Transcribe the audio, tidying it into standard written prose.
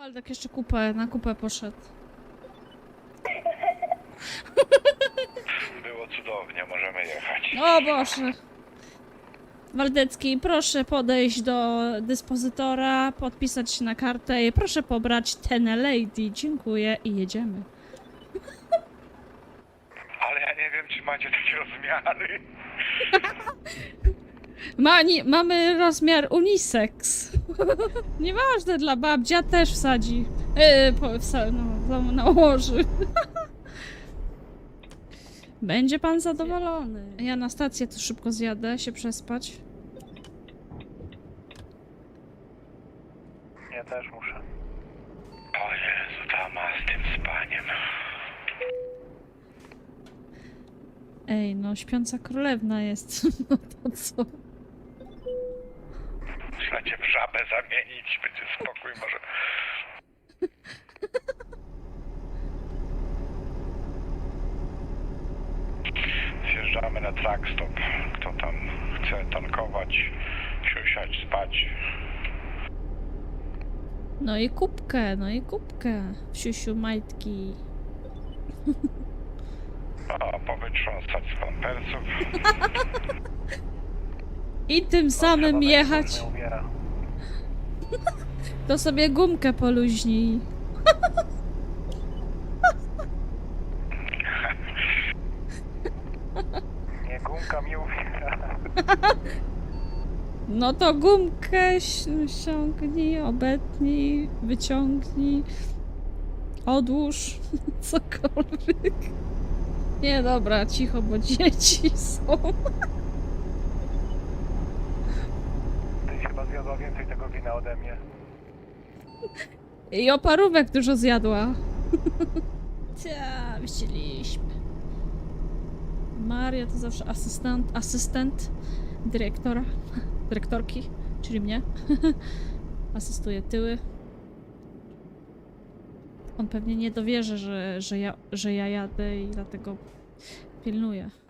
Waldek jeszcze na kupę poszedł. Było cudownie, możemy jechać. O Boże! Waldecki, proszę podejść do dyspozytora, podpisać się na kartę i proszę pobrać ten lady. Dziękuję i jedziemy. Ale ja nie wiem, czy macie takie rozmiary. Mamy rozmiar unisex. Nieważne, dla babcia też wsadzi. Nałoży. Będzie pan zadowolony. Ja na stację tu szybko zjadę, się przespać. Ja też muszę. O Jezu, dama z tym spaniem. Ej, no śpiąca królewna jest. No to co? Muszę cię w żabę zamienić, będzie spokój może. Zjeżdżamy na truckstop. Kto tam chce tankować, siusiać, spać. No i kubkę, Siusiu majtki. A powytrząsać z pampersów. I tym samym jechać. Nie ubiera. To sobie gumkę poluźnij. Nie, gumka mi ubiera. No to gumkę ściągnij, obetnij, wyciągnij, odłóż, cokolwiek. Nie, dobra, cicho, bo dzieci są. Ty chyba zjadła więcej tego wina ode mnie. I oparówek dużo zjadła. Cia, wyścieliśmy. Maria to zawsze asystent dyrektora, dyrektorki, czyli mnie. Asystuje tyły. On pewnie nie dowierzy, że ja jadę i dlatego pilnuje.